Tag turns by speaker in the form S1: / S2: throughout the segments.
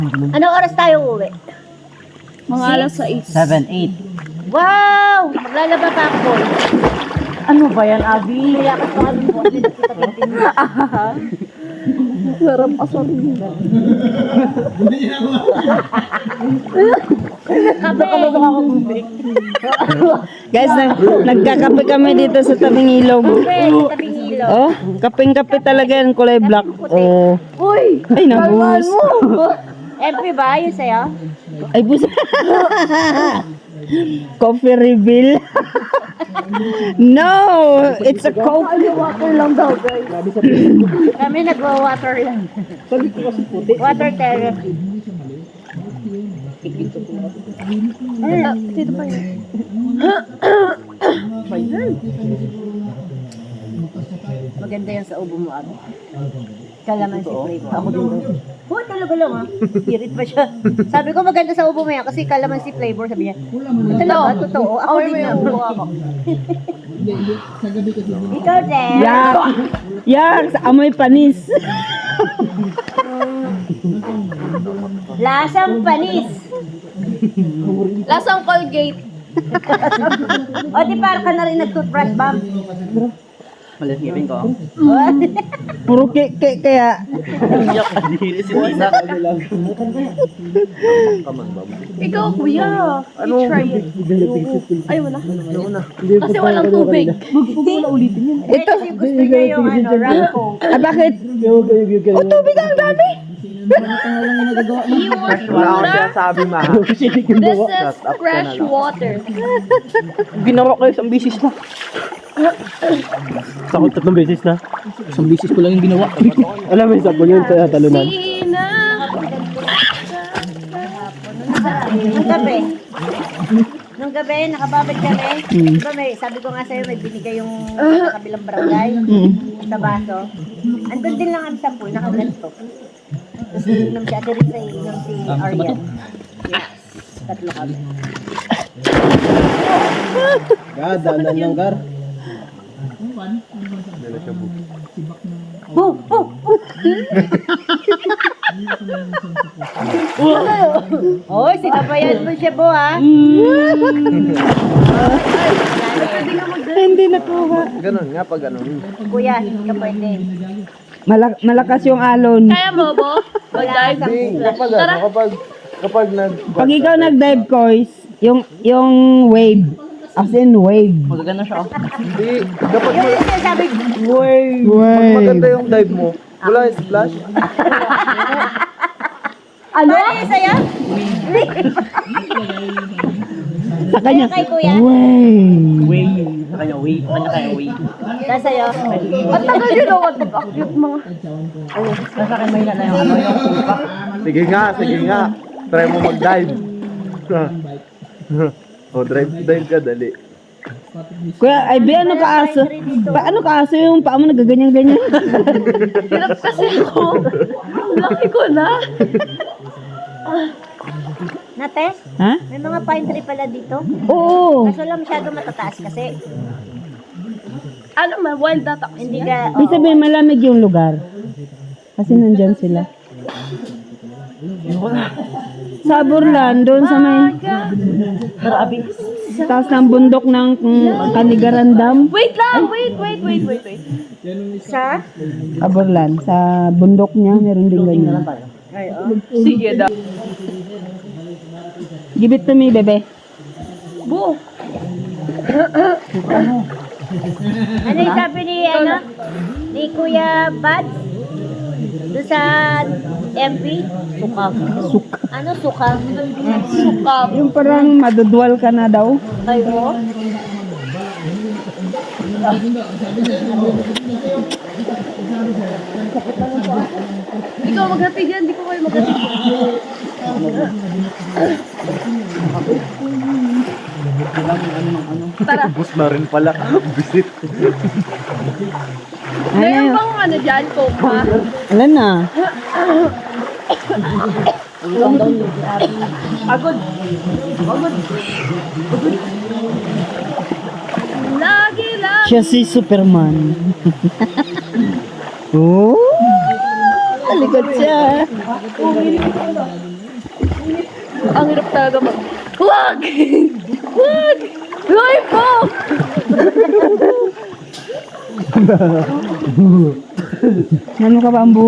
S1: Anong oras tayo uwi?
S2: Mga alas 6.
S3: 7, 8.
S1: Wow! Maglalaba pa ako.
S3: Ano ba yan, Abby?
S1: Kaya ka sa akin po.
S2: Sarap asarin.
S3: Guys, nagkakape kami dito sa tabing ilog.
S1: Tabing ilaw.
S3: Oh, kapeng-kape talaga yan, kulay black. Oh.
S1: Uy!
S3: Ay, nabuhos.
S1: MP ba? Yun sa'yo?
S3: Ay, bus. Coffee reveal. No, it's a Coke.
S1: Water lang daw, guys. Kami nagwa-water lang. Water therapy.
S2: Dito pa yun.
S1: Maganda yan sa ubo mo, Abi. Kalaman si flavor. Ako din daw. Oh, talaga lang ha. Spirit pa siya. Sabi ko maganda sa ubo mo yan kasi kalaman si flavor. Sabi niya, talaga, totoo. Ako din na ubo ako. Ikaw din.
S3: Yak! Yak! Sa amoy panis.
S1: Lasang panis.
S2: Lasang Colgate.
S1: O di para ka na rin nag-toothbrush, Bam.
S3: Malasipin ko. Puro kaya. Yak, adhiri si Tisa.
S2: Ikaw, kuya. I-try it. Ay, wala. Kasi walang tubig.
S1: Ito. Kasi gusto niya yung Ramco.
S3: Ah, bakit? Oh, tubig ang dami.
S2: He wants water.
S3: Sabi ma.
S2: This is fresh water.
S3: Ginawa ko isang bisis na. Sakot 3 beses na. Isang bisis ko lang yung ginawa. Alam mo, isa po yun sa talunan.
S2: Sina.
S1: Nung gabi, nakababad kami. Diba sabi ko nga sa'yo, may binigay yung kabilang barangay sa baso. Andun din lang kami sa pool, nakaganto. Tapos inom si Ate Risa, inom si Aryan. Yes, tatlo kami.
S3: Gadanan ng gar.
S1: Oy, sinabayan mo siya, Bo, ha?
S3: Hindi nakuha.
S4: Ganun nga pag ganun.
S1: Kuya, hindi ka pwede.
S3: Malakas yung alon.
S2: Kaya mo, Bo?
S1: Wala
S2: Mag-dive?
S1: sa
S4: Hindi, kapag
S3: Pag ikaw nag-dive, Kois, yung wave. As in wave.
S4: Hindi, dapat
S1: Yung sinasabi,
S4: pag maganda yung dive mo, wala yung splash.
S1: ano yung sa'yo?
S3: Sa kanya,
S1: Kay kuya?
S3: wave.
S1: Tapos sa'yo?
S2: At tagal yun ako pag-acute mga.
S4: Sige nga. Try mo mag-dive. O, dive ka, dali.
S3: Kuya, ay be, ano kaaso? Ano kaaso yung paa mo nagaganyan-ganyan?
S2: Hirap kasi ako. Laki ko na.
S1: Nate,
S3: Ha?
S1: may mga pine tree pala dito.
S3: Oo.
S1: Kaso lang masyado matataas kasi.
S2: Ano man, wild data.
S1: Hindi ka,
S3: Ibig sabihin, malamig yung lugar. Kasi nandyan sila. Sa Burlan, doon sa may taas ng bundok ng Kanigaran Dam.
S2: Wait lang, wait.
S1: sa?
S3: Sa Burlan, sa bundok niya, meron din ganyan.
S1: Ay, oh.
S2: Sige daw.
S3: Give it to me, bebe.
S2: Bo.
S1: Ano yung sabi ni Kuya Bad? Doon sa MP? Sukab. Ano sukab?
S2: Sukab.
S3: Yung parang madudwal ka na daw.
S1: Ay, oh.
S2: Ikaw maghatid yan, di ko kayo maghatid. Tara.
S4: Bus na rin pala. Visit.
S2: Meron bang ano dyan, Copa?
S3: Alam na.
S2: Agod. Lagi lang.
S3: Siya si Superman. Oh! Talikod siya.
S2: Ang hirap talaga mag... Wag! Wag! Loy po!
S3: Ano ka, Bambu?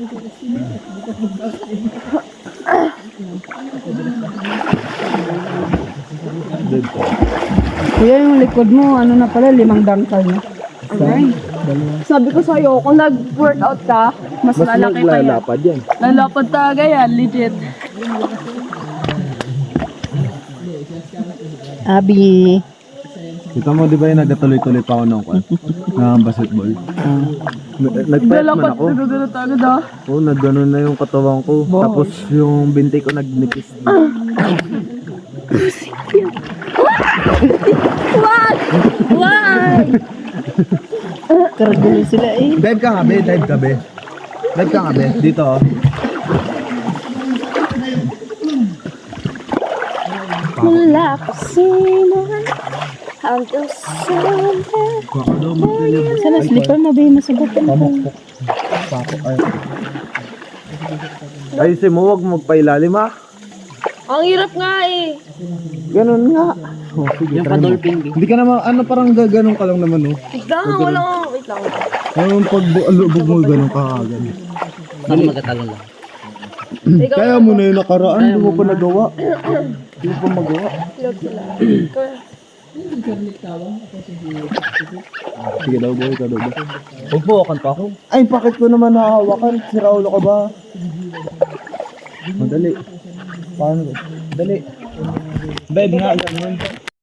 S3: Kuya, yung likod mo, ano na pala, 5 dangkal na.
S2: Sabi ko sa'yo, kung nag-workout ka, mas lalaki pa yan.
S4: naglalapad yan.
S2: Lalapad talaga yan, legit.
S3: Abi.
S4: Kita mo, di ba yung nagatuloy-tuloy pa ako nung basketball? Nag-fight man
S2: Lalapad
S4: ako.
S2: talaga agad ah.
S4: Oo, nagganon na yung katawan ko. Tapos yung binti ko nagnipis.
S2: Wag! Wag!
S3: Karagulo sila eh.
S4: Dive ka nga, be. Dive ka, be. Dive ka nga, be. Dito, oh.
S2: Wala kasi naman hanggang
S3: Sana slipper mo, be. Masubukan ko.
S4: Ayusin mo, huwag magpailalim, ha?
S2: Ang hirap nga eh.
S4: Ganun nga. Oh, sige, yung pa-dolphin, be. Hindi ka naman, parang gaganon ka lang naman, oh.
S2: Wait lang, wala. Wait lang.
S4: Ayun, pag alubog mo, ganun ka kagad.
S2: Ikaw,
S4: Kaya mo na yung nakaraan, hindi mo pa nagawa. Hindi mo pa magawa.
S2: Love sila.
S4: Sige daw, boy, ka daw ba? Huwag mo, wakan pa ako. Ay, bakit ko naman nahahawakan? Si Raulo ka ba? Madali. Paano ba? Dali. Bed nga, ganun.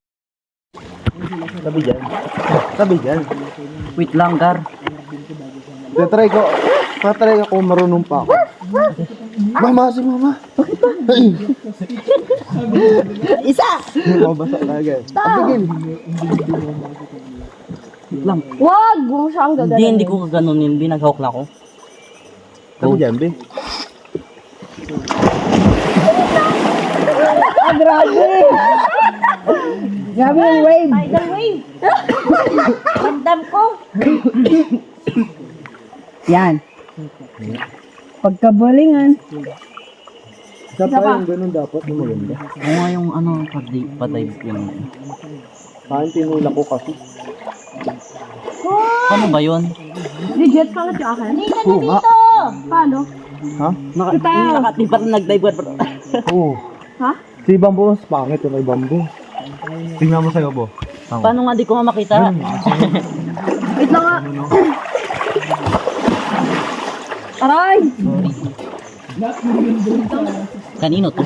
S4: Tabi dyan. Tabi dyan.
S5: Wait lang, Gar.
S4: Tatry ko. Tatry ako, marunong pa ako. Mama, si mama. Bakit ba?
S3: Isa!
S4: Mabasa talaga eh. Tigil.
S5: Wait lang.
S2: wag! Huwag mo siyang
S5: Hindi ko kaganunin. Binaghawak na ako.
S4: Tabi dyan, be.
S3: Grabe! Grabe yung wave.
S1: Tidal wave. Ramdam ko.
S3: Yan. Pagkabalingan.
S4: Isa pa yung ganun dapat, yung maganda.
S5: Oo nga yung pa-dive yung...
S4: Saan tinula ko kasi.
S5: Paano ba yun?
S2: Legit ka na sa akin?
S1: Hindi ka na dito.
S2: Paano?
S4: Ha?
S5: Di pa nag-dive.
S4: Oo.
S2: Ha?
S4: Si Bambo, pangit yung kay Bambo. Tingnan mo sa'yo, Bo.
S5: Paano nga di ko nga makita?
S2: Wait lang nga. Aray!
S5: Kanino to?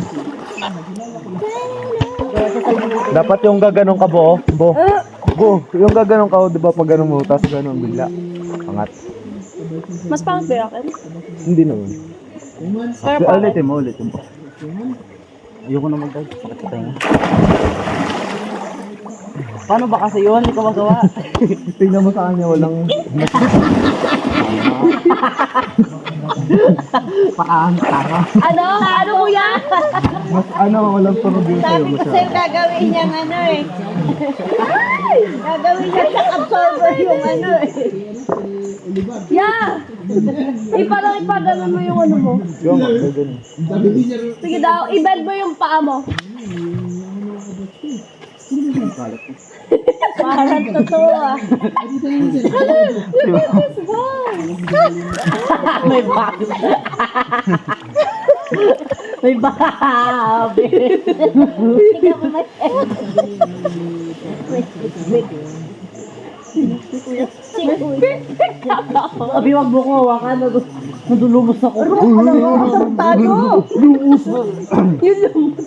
S4: Dapat yung gaganong ka, Bo. Bo. Bo, yung gaganong ka, di ba pag ganun mo, tapos ganun bigla. Angat.
S2: Mas pangit ba yung akin?
S4: Hindi naman.
S2: Pero pangit.
S4: Ulitin mo.
S5: Ayoko na mag-dive. Sakit sa tayo. Paano ba kasi yun? Hindi ko magawa.
S4: Tingnan mo sa kanya, walang... Paang tanga.
S2: Ano? Ano mo yan?
S4: Mas walang tunog yung sa'yo.
S1: Sabi ko sa'yo gagawin niyang ano eh. Gagawin niya siyang absorber yung ano eh.
S2: Yeah! Parang ipaganon mo yung ano mo.
S4: Yung ganun.
S2: Sige daw, i-bend mo yung paa mo.
S1: Parang totoo ah.
S5: May bag. May bag.
S1: Sige ako may...
S5: Abi, wag mo ko hawakan. Nadulumos ako.
S1: Tado!
S2: Yun lumos.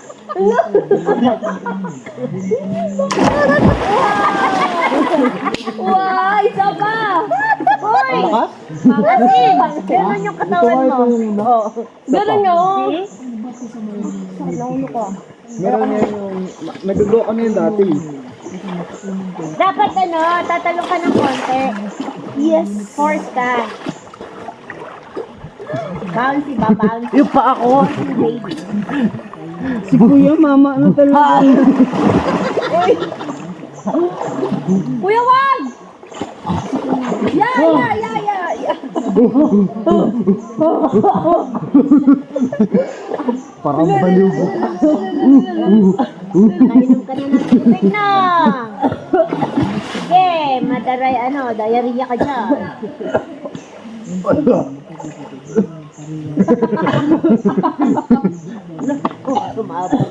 S2: Wow, isa pa!
S1: Hoy! Kasi, ganun yung katawan mo. Oo.
S2: Ganun yun.
S4: Meron yan yung... Nag-go ka na yun dati.
S1: Dapat ano, tatalong ka ng konti. Yes. Force ka. Bouncy ba? Bouncy.
S5: Yung pa ako.
S1: Baby.
S3: Si Kuya, mama, ano talaga?
S2: Kuya, wag! Yeah!
S4: Parang baliw ko.
S1: Nainom ka na ng tubig na. Sige, madaray diarrhea ka dyan. Sumabot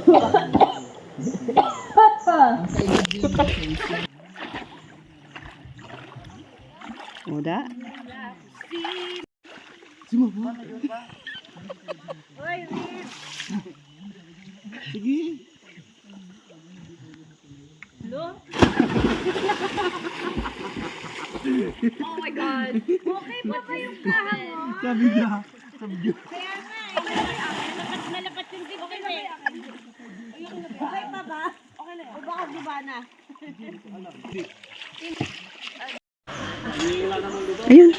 S3: Udah.
S2: Oh my God. Okay pa ba yung kaha mo?
S1: Kaya nga, nalapat yung dibdib eh. Okay pa ba? Okay na. O baka di ba na?
S3: Ayun.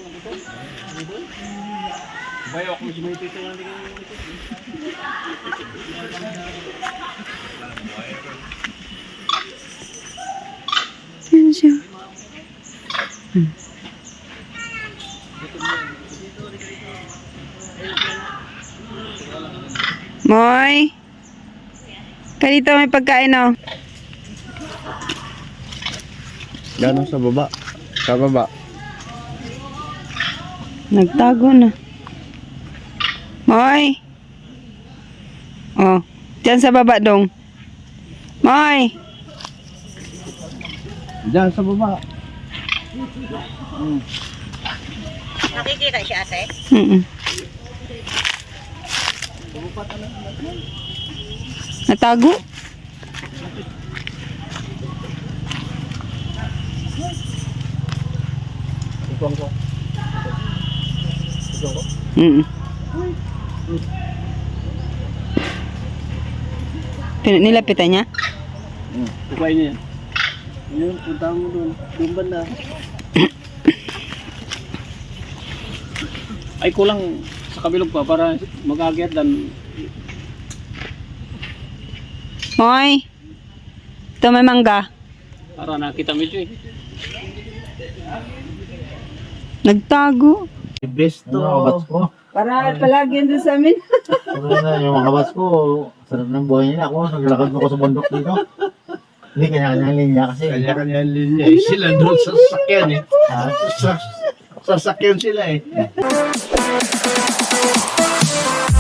S3: Yan siya. Moy! Kanito may pagkain, oh.
S4: Gano'n sa baba? Sa baba.
S3: Nagtago na. Moy! Oh, diyan sa baba dong. Moy!
S4: Diyan sa baba.
S1: Nakikita si ate?
S3: Mm. Natago?
S4: Ituang ko.
S3: Mm. Nilapitan niya?
S5: Kukain niya. Yun, punta mo doon. Doon banda. Ay, kulang sa kabilog pa para mag-agyat dan.
S3: Moy! Ito may mangga.
S5: Para nakita medyo eh.
S3: Nagtago.
S6: Best to. Kabats ko.
S3: Para palagi yan doon sa amin.
S6: Sabi na, yung mga kabats ko, sarap ng buhay nila. Ako, naglakad ako sa bundok dito. Hindi, kanya-kanyang linya kasi.
S7: Kanya-kanya linya eh. Sila doon sa sasakyan eh.
S6: Ha?
S7: Sa sasakyan sila eh.